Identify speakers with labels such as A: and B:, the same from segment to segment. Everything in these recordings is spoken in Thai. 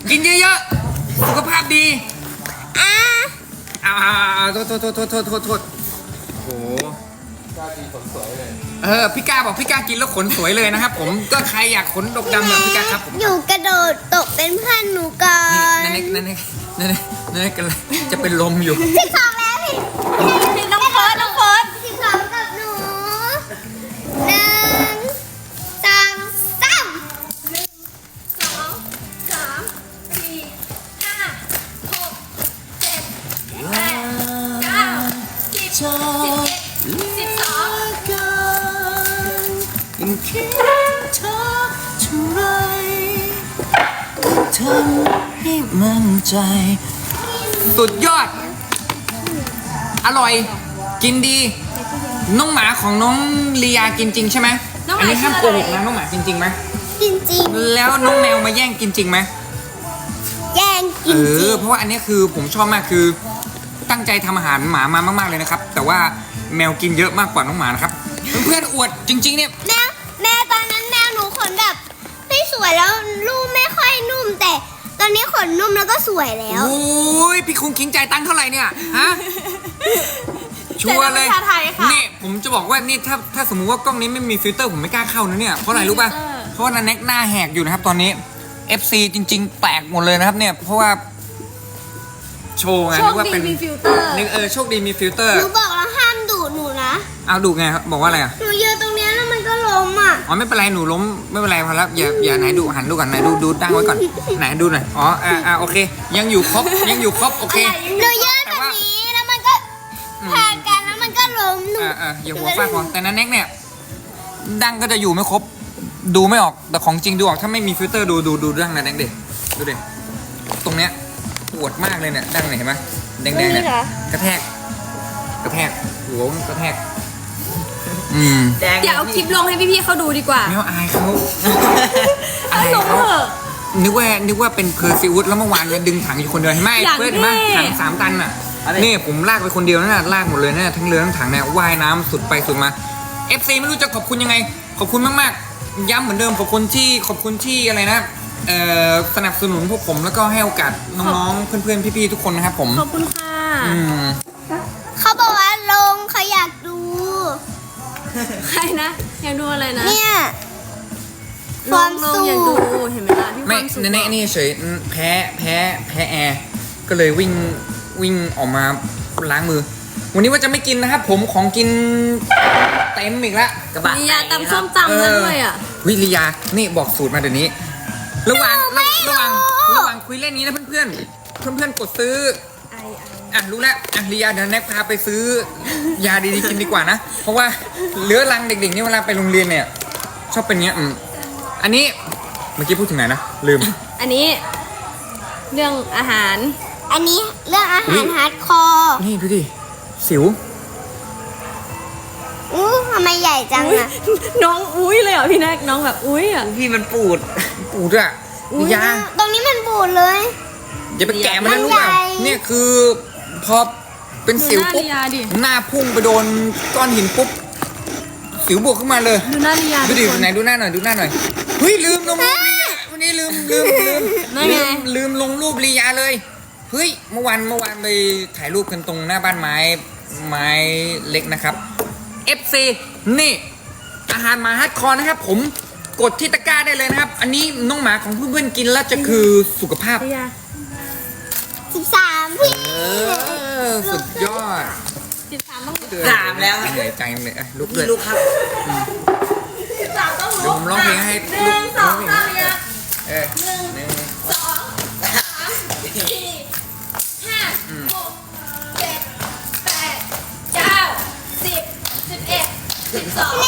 A: กินเยอะๆสุขภาพดีโทษโอ้โหพี่กาบอกพี่กากินแล้วขนสวยเลยนะครับผมก็ใครอยากขนดกดำแบบพี่กาครับผม
B: อยู่กระโดดตกเป็นเพื่อนหนูก่อน
A: นั่นกันเลยจะเป็นลมอยู่
B: 12แล้วพี่น้องเฟิร์ส12กับหนู1 2
A: ยังคิดเธอเท่าไรทำให้มั่นใจสุดยอดอร่อยกินดีน้องหมาของน้องลียากินจริงใช่ไหมอันนี้ห้ามโกหกนะน้องหมาจริงไหม
B: จริง
A: แล้วน้องแมวมาแย่งกินจริงไหม
B: แย่งกินจริง
A: เพราะว่าอันนี้คือผมชอบมากคือตั้งใจทำอาหารหมามามากๆเลยนะครับแต่ว่าแมวกินเยอะมากกว่าน้องหมานะครับเพื่อนๆอวดจริงๆเนี่ย
B: แม่ตอนนั้นแมวหนูขนแบบไม่สวยแล้วลูกไม่ค่อยนุ่มแต่ตอนนี้ขนนุ่มแล้วก็สวยแล้ว
A: โอ้ยพี่คุงคิงจ่ายตังค์เท่าไหร่เนี่ยฮะชัวร์เลยนี่ผมจะบอกว่านี่ถ้าสมมุติว่ากล้องนี้ไม่มีฟิลเตอร์ผมไม่กล้าเข้านะเนี่ยเพราะอะไรรู้ป่ะเพราะว่านันแน็กหน้าแหกอยู่นะครับตอนนี้ FC จริงๆแตกหมดเลยนะครับเนี่ยเพราะว่าโชว์ไงนึกว่าเป็น
C: มีฟิลเตอร์
A: โชคดีมีฟิลเตอร์
B: หนูบอกแล้วห้ามดุหนูนะ
A: เอาดุไงบอกว่าอะไรอ่ะ
B: หนูยืนตรงนี้แล้วมันก็ล้มอ่ะ
A: อ๋อไม่เป็นไรหนูล้มไม่เป็นไรพอแล้วอย่าไหนดูหันดูก่อนไหนดูตั้งไว้ก่อนไหนดูหน่อยอ๋อโอเคยังอยู่ครบโอเค
B: หนูยืนแบบนี้แล้วมันก็พากันแล้วมันก็ล้มหนู
A: อย่าหัวฟาดพอแต่นั้นแน็กเนี่ยดังก็จะอยู่ไม่ครบดูไม่ออกแต่ของจริงดูออกถ้าไม่มีฟิลเตอร์ดูดังนะแน็กเด็ดูเด็ตรงเนี้ยปวดมากเลยเนี่ยดังเนี่ยเห็นไหมแดงเนี่ยกระแทกหัวกระแทก
C: อย่าเอาคลิปลงให้พี่ๆเขาดูดีกว่า
A: ไม่ว่าอายเขานึกว่าเป็นเพอร์ซิวุสแล้วเมื่อวานเนี่ยดึงถังอยู่คนเดียวเห็นไหมเพื่อนเห็นไหมถัง3 ตันอ่ะนี่ผมลากไปคนเดียวนั่นน่ะลากหมดเลยนะทั้งเรือทั้งถังเนี่ยว่ายน้ำสุดไปสุดมา FC ไม่รู้จะขอบคุณยังไงขอบคุณมากๆย้ำเหมือนเดิมขอบคุณที่อะไรนะสนับสนุนพวกผมแล้วก็ให้โอกาสน้องๆเพื่อนๆพี่ๆทุกคนนะครับผม
C: ขอบคุณค่ะ
B: เขาบอกว่าลงเขาอยากดู
C: ใครนะอยากดูอะไรนะ
B: เนี่ย
C: ความสุขอยากดูเห็นไหมล่ะพี่ความสุข
A: ไม่นี่เฉยแพ้แอร์ก็เลยวิ่งออกมาล้างมือวันนี้ว่าจะไม่กินนะครับผมของกินเต็มอีกแล้ว
C: กระบะลียาตำส้มตำแล้วด้วยอ่ะ
A: วิลียานี่บอกสูตรมาเดี๋ยวนี้ระหว่างคุยเล่นนี้นะเพื่อนกดซื้อรู้แล้วลียาเดี๋ยวแน็กพาไปซื้อยาดีๆกินดีกว่านะเพราะว่าเลื้อรังเด็กๆนี่เวลาไปโรงเรียนเนี่ยชอบเป็นเงี้ยอันนี้เมื่อกี้พูดถึงไหนนะลืม
C: อันนี้เรื่องอาหาร
B: อันนี้เรื่องอาหารฮาร์ดคอร์
A: นี่ดูดิสิว
B: ทำไมใหญ่จังอะ
C: น้องอุ้ยเลยเหรอพี่แน็กน้องแบบอุ้ยอ่ะ
A: พี่มันปูดอ่ะยา
B: ตรงนี้มันปูดเลย
A: อย่าไปแกะมันนะรู้เปล่าเนี่ยคือพอเป็นสิวปุ๊บหน้าพุ่งไปโดนก้อนหินปุ๊บสิวบวกขึ้นมาเลย
C: ดูหน้าลียา
A: ดูดิไหนดูหน้าหน่อยเฮ้ยลืมลงรูปลียาวันนี้ลืมลงรูปลียาเลยเฮ้ยเมื่อวานไปถ่ายรูปกันตรงหน้าบ้านไม้เล็กนะครับ FC นี่อาหารหมาฮาร์ดคอร์นะครับผมกดที่ตะกร้าได้เลยนะครับอันนี้น้องหมาของเพื่อนๆกินแล้วจะคือสุขภาพ
B: 13พี่
A: สุดยอด
C: 13ต้อง
A: 3แล้วเหนื่อยใจเลยลูกครับ13ต้องลุกเดี๋ยวผมร้องเพลงให้ลูกร้องเพลง1 2 3 4
C: 5 6 7 8 9 10 11 12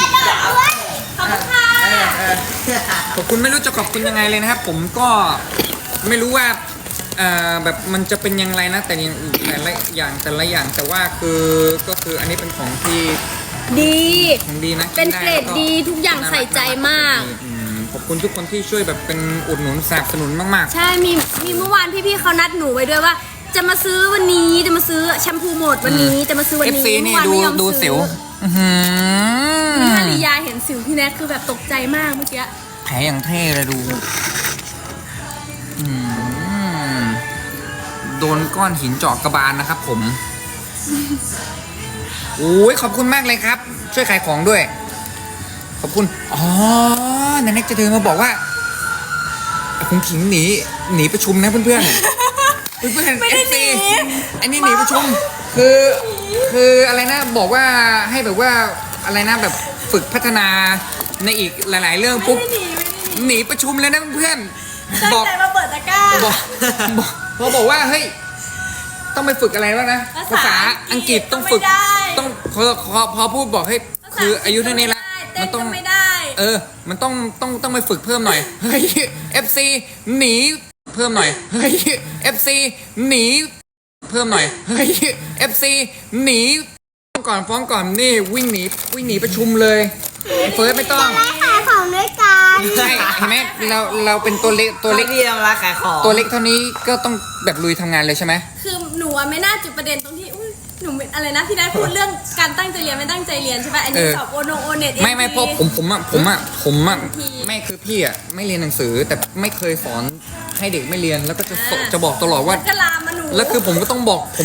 A: ขอบคุณไม่รู้จะขอบคุณยังไงเลยนะครับผมก็ไม่รู้ว่าแบบมันจะเป็นยังไงนะแต่ละอย่างแต่ว่าก็คืออันนี้เป็นของที่ของดีนะ
C: เป็นเกรดดีทุกอย่างใส่ใจมาก
A: ขอบคุณทุกคนที่ช่วยแบบเป็นอุดหนุนสนับสนุนมาก
C: ๆใช่มีเมื่อวานพี่ๆเขานัดหนูไว้ด้วยว่าจะมาซื้อวันนี้จะมาซื้อแชมพูหมดวันนี้จะมาซื้อวันนี้
A: เมื่อวานไม่ยอมซื้อ
C: ถ้าลียาเห็นสิวพี่แน็กคือแบบตกใจมากเมื่อกี้
A: แผลอย่างเท่เลยดูอืมโดนก้อนหินเจาะกระบาลนะครับผมโอ้ยขอบคุณมากเลยครับ ช่วยขายของด้วย ขอบคุณอ๋อนันเน็กจะเดินมาบอกว่าคุณขิงหนีประชุมนะเพื่อนๆ เพื่อนๆ
C: ไม่ได้
A: FC
C: หนี
A: อันนี้หนีประชุมคืออะไรนะบอกว่าให้แบบว่าอะไรนะแบบฝึกพัฒนาในอีกหลายๆ เรื่องปุ๊บ
C: ไม่ได้หนีไม่ได้หนี
A: หนีประชุมเลยนะเพื่อน
C: ตั้ง
A: บอก
C: ใจมาเปิดตะกร้า
A: บอกว่าเฮ้ยต้องไปฝึกอะไรบ้างนะภาษาอังกฤษต้องฝึก
C: ไม่ได้
A: ต้องพอพูดบอกให้คืออายุเท่านี้ละ
C: เต้
A: มัน
C: น
A: ต้
C: ก็
A: อง
C: ไม่ได้
A: มันต้องไปฝึกเพิ่มหน่อยเฮ้ย FC หนีเพิ่มหน่อยเฮ้ย FC หนีเพิ่มหน่อยเฮ้ย FC หนีฟ้องก่อนนี่วิ่งหนีประชุมเลยเฟิร์สไม่ต้อง
B: ได้ขายของด้วยกัน
A: ใช่เห็นไหมเราเป็นตัวเล็ก
D: พี่ทำร้านขายของ
A: ตัวเล็กเท่านี้ก็ต้องแบบลุยทำงานเลยใช่ไหม
C: คือหนูอะไม่น่าจุดประเด็นตรงที่อุ๊ยหนูไม่อะไรนะพี่ได้พูดเรื่องการตั้งใจเรียนไม่ตั้งใจเรียนใช่ป่ะอันนี้สอบโอเน็ต
A: ไม่เพราะผมไม่คือพี่อ่ะไม่เรียนหนังสือแต่ไม่เคยสอนให้เด็กไม่เรียนแล้วก็จะบอกตลอดว่า
C: ก็ลามมาหนู
A: แล้วคือผมก็ต้องบอกผม